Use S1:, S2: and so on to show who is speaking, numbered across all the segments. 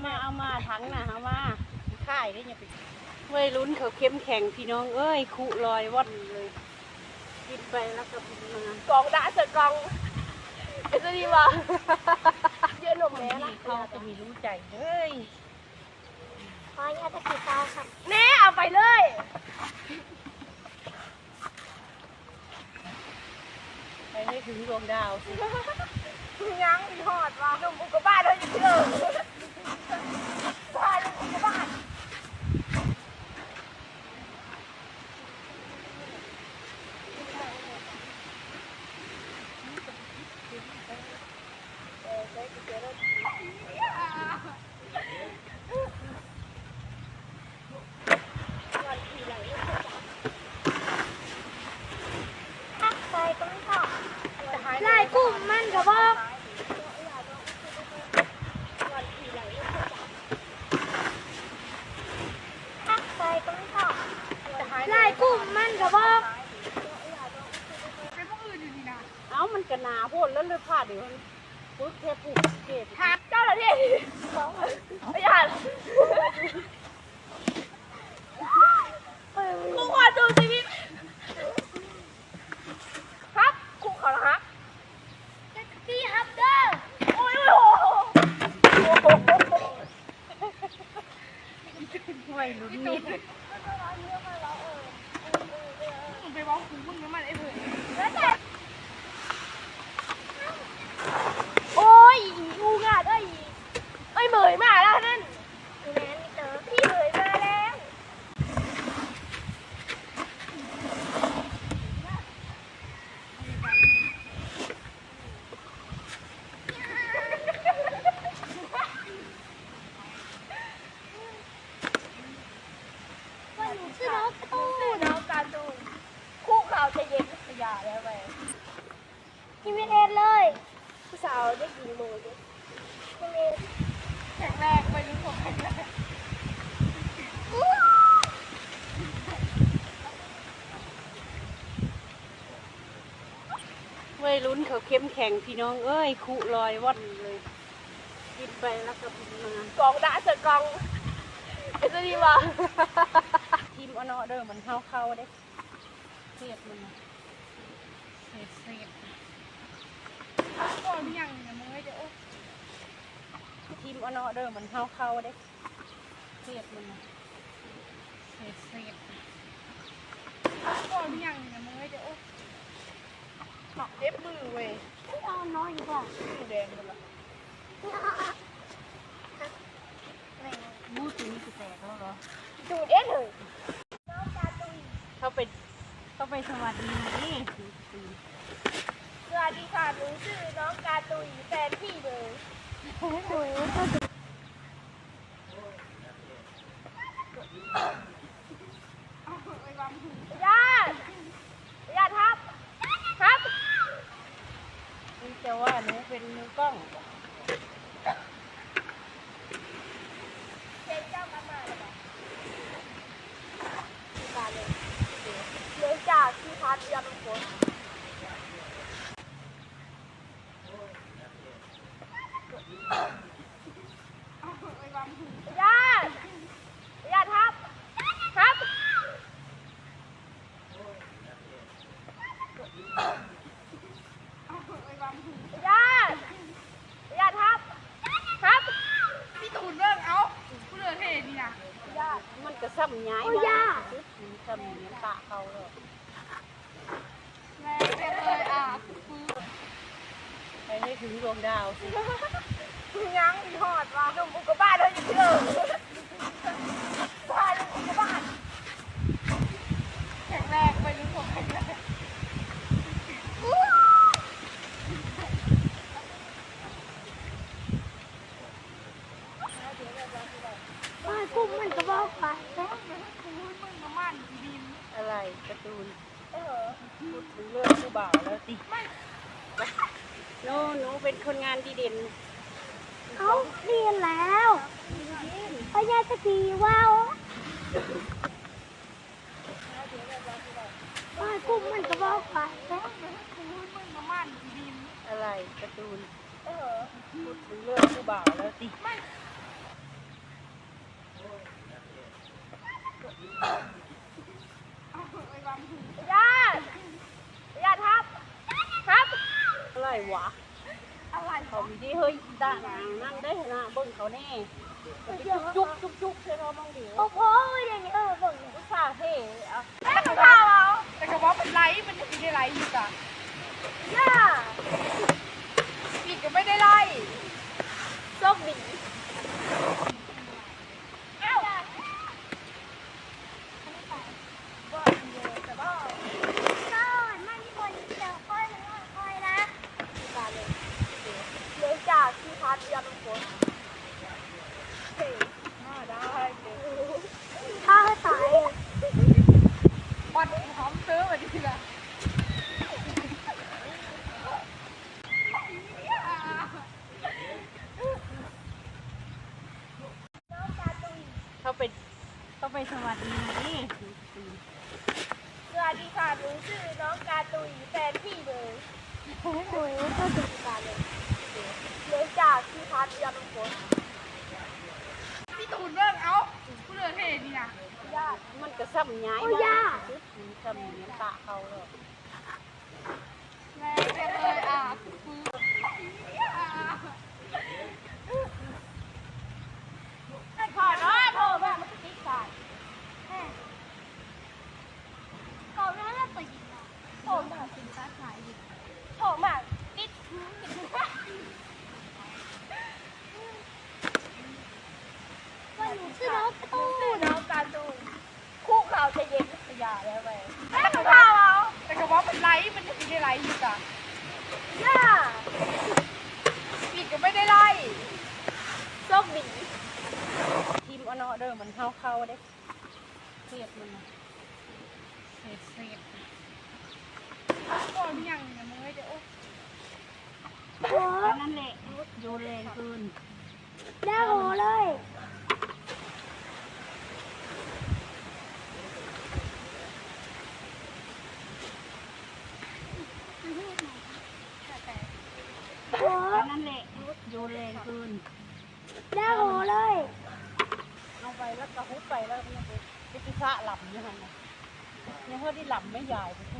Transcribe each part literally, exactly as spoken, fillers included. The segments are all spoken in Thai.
S1: มาเอามาทั้งน่ะเอามาค่ายได้ยังไปวัยรุ่นเขาเข้มแข็งพี่น้องเอ้ยคุลอยว่อนเลยกินไปแล้วก็มากองด่าเสกองเอ็ดดีวะเยอะหนุ่มแม่ละเขาจะมีรู้ใจเฮ้ย
S2: ขออนุญาตตะกี้ตาค่ะ
S1: แม่เอาไปเลยไปให้ถึงดวงดาวสิ
S2: ยังมีหอดว่าหนุ่มอุกกาบาตเลยอยู่ที่เดิมบ้านอุกกาบาตลายกลุ่มมันกระบอกลายกลุ่มมันกระบอก
S1: เอ้ามันกระนาพูดแล้วเลยพลาดเดี๋ยวปุ๊บแค่ปุ๊บเก็บ
S2: หาเจ้าหน้าที่ไม่อยากกูขอดูชีวิตครับกูขอละครับพี่ฮับเดอร์โอ้ยโอ้โห
S1: ไม่รู้นี่
S2: ไปบอกคุณมึงน้ำมันไอ้เพื่อนโอ้ยงูงาดเอ้ยเอ้ยเหมยมาแล้วนั่นแม่นี่เต๋อพี่เหมยมาแล้วชื่อน้องตูนน้องการ์ตูนคู่ข่าวจะเย็นขยะแล้วไปกินเวทเอ็นเลยผู้สาวได้กี่โมงดิกินเวทแข็งแรงไปรู้ผมแข็งแรง
S1: วัยรุ่นเขาเข้มแข็งพี่น้องเอ้ยคุลอยว่อนเลยกินไปแล้วก็มาก
S2: องด่าเสกองเอ็ดดีวะ
S1: ทีมอนอเดอร์มันเข้าเข้าเด้เสียดมันเสียดเสียด
S2: ก่อนยังเนี่ยมึงไม่เดี๋ยว
S1: ทีมอนอเดอร์มันเข้าเข้าเด้เสียดมันเสียดเสียด
S2: ก่อนยังเนี่ยมึงไม่เดี๋ยวหมักเล็บมือเว้ย
S1: เอาน้อยกว่า
S2: มือแดงเลยล่ะ
S1: มูดตัวนี้จะแตกแล้วเหรอ
S2: ดูเอ็ดเลย
S1: เขาไปเขาไปสวัสดีนี่
S2: สวัสดีค่ะหนูชื่อน้องการ์ตูนแฟนพี่เลยญาติญาติครับครับ
S1: นี่จะว่าหนูเป็นมือกล้อง
S2: เป็นเจ้ากรรมอะไรบ้างที่การเลยเนื่องจากที่พัดยาเป็นคนญาติญาติครับครับญาติญาติครับครับพี่ตูนเรื่องเอาผู้เลือเท่ดีนะญาติ
S1: มันก็ซ้ำย้าย
S2: มา
S1: ซ้ำเนี้ยตาเขาเลย
S2: แม่เลยอ่ะ
S1: ไปให้ถึงดวงดาวสิ
S2: ยังมีหอดว่าหนุ่มอุกกาบาตเลยอยู่ที่เดิมบ้านอุกกาบาตแข็งแรงไปรู้ผมแข็งแรงบ้านกุ้งมันก็บอกไปแล้วกุ้งมันมามั่นดิน
S1: อะไรการ์ตูน
S2: เออ
S1: พูดถึงเรื่องผู้บ่าวแล้วสิโน่หนูเป็นคนงานดีเด่น
S2: เขาเรียนแล้วพญาตะกี้ว้าวบ้านกุ้งมันก็บอกไปแล้วกุ้งมันมามั่นดิน
S1: อะไรการ์ตูน
S2: เออ
S1: พูดถึงเรื่องผู้บ่าวแล้วสิ
S2: ญาติญาติครับครับ
S1: อะไรวะ
S2: อะไร
S1: เขามีที่เฮ้ยด่างนั่งได้นะเบิ่งเขาแน่จุกจุกจุกใช่เราบ้างดิ
S2: โอ้โหอย่างนี้เออเบิ่ง
S1: อุตส่าห์เท่อะ
S2: แม่ข้าวเอา
S3: แต่กระบอกเป็นไลฟ์มันจะมีได้ไลฟ์อยู่จ้ะ
S2: ย่า
S3: ปีกก็ไม่ได้ไล่
S2: โชคดีเอ้าบ่เยอะแต่บ่ก็ไม่มีคนเจอค่อยนะค่อยนะตาเลยเนื่องจากที่พัดยาเป็นคนเฮ้ย
S3: อ่าได้เดี๋ยว
S2: ถ้าให้ตาย
S3: ปัดหอมซื้อมาดีละ
S2: น้องการ์ตูน
S1: เขาไปเขาไปสวัสดีนี่
S2: สวัสดีค่ะหนูชื่อน้องการ์ตูนแฟนพี่เลยโอ้โหก็ดูกันเลยเนื่องจากที่พัดยาเป็นคน
S3: พี่ตูนเรื่องเอ้าผู้เลือเท่ดีนะ
S2: ญาติ
S1: มันก็ซ้ำย้าย
S2: โอ้ย่า
S1: ซ้ำเนี้ยตาเขาเลย
S3: แม่เรียกเลยอ่ะฟื้น
S2: ไอ้ขอน้อยโทรมามันก็ติ๊กสายก่อนหน้าเราไปยิงนะโทรมาสินค้าขายยิงโทรมาติ๊กว่าหนูชื่อน้องการ์ตูนน้องการ์ตูนคู่ข่าวจะเย็นสยาแล้วแม่แม่ข้าวเอา
S3: แต่กระบอกเป็นไลฟ์มันจะมีได้ไลฟ์อยู่จ้ะ
S2: ย่า
S3: ปีกก็ไม่ได้ไล่
S2: โชคดี
S1: ทีมอนอเดอร์มันเข้าเข้าเด้เสียดมันเสียดเสียด
S3: ก่อนยังเนี่ยมึงไม่ได้โอ้
S2: โอ้
S1: นั่นแหละโยนแรงเกิน
S2: ได้โหเลย โอ้
S1: นั่นแหละโยนแรงเกิน
S2: ได้โหเลย
S1: เอาไปแล้วก็ฮุบไปแล้วเนี่ยไปพิซซ่าหลับอยู่หันน่ะยังเพื่อที่หลับไม่ใหญ่ไปทุก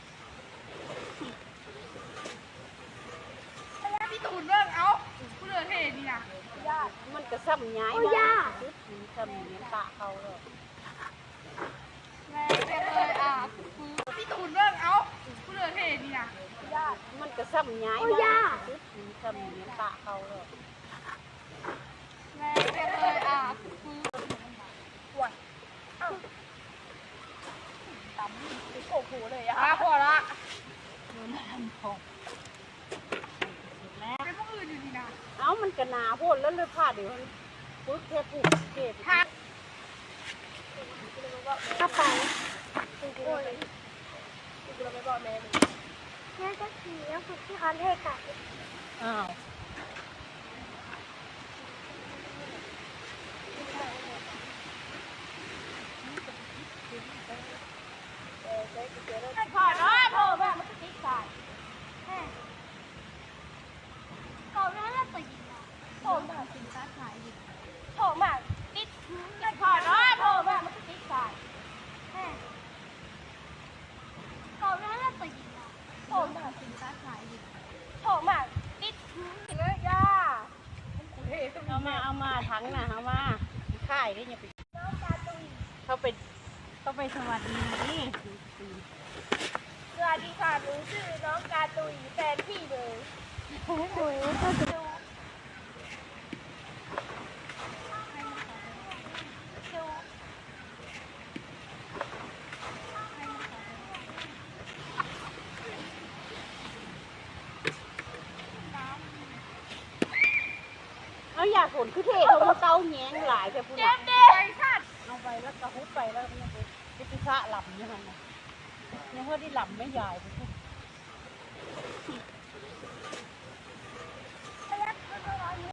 S3: พี่ตูนเรื่องเอ้าผู้เลือเท่ดีนะ
S2: ญาติ
S1: มันก็ซ้ำย้าย
S2: โอ้ย่า
S1: ซ้ำเนี้ยตาเขาเลย
S3: แม่เรียกเลยอ่ะฟื้นพี่ตูนเรื่องเอ้าผู้เลือเท่ดีนะ
S2: ญาติ
S1: มันก็ซ้ำย้าย
S2: โอ้ย่า
S1: ซ้ำเนี้ยตาเขาเลย
S3: แม่เรียกเลยอ่ะฟื้น
S2: ปวดอ้าวต่ำโอ้โหเลยอะ
S3: อ่ะพอละ
S1: โยนทำพอแล้ว
S3: เป็นพวกอื่นอยู่ดีนะ
S1: เอ้ามันก็หนาโพดแล้วเลยพาเดี๋ยวมันปุ๊บแค่ปุ๊บเก็บ
S3: ถ้า
S2: เข้าไปโอ้ยเราไม่บอกแม่เลยแม่จะขี่แล้วฝึกที่คันเทกัด
S1: อ้าว
S2: ไอ้ขอน้อยโทรมามันก็ติ๊กสายก่อนหน้าเราไปยิงนะโทรมาสินค้าขายยิงโทรมาติ๊กไอ้ขอน้อยโทรมามันก็ติ๊กสายก่อนหน้าเราไปยิงนะโทรมาสินค้าขายยิงโทรมาติ๊กเลยย่า
S1: เอามาเอามาทั้งน่ะเอามาค่ายได้ยังไป
S2: น้องการ์ตูน
S1: เขาไปเขาไปสวัสดีนี่
S2: สวัสดีค่ะหนูชื่อน้องการ์ตูนแฟนพี่เลยโอ้โหก็ดู
S1: เอาอยากผลคือเท่เขามาเต้าแง้งหลายแต่พูด
S2: เจ็บดิ
S3: ไปสัตว์
S1: เอาไปแล้วก็ฮุบไปแล้วเนี่ยไปพิซซ่าหลับอยู่หันน่ะยังเพื่อที่หลับไม่ใหญ่ไปทุก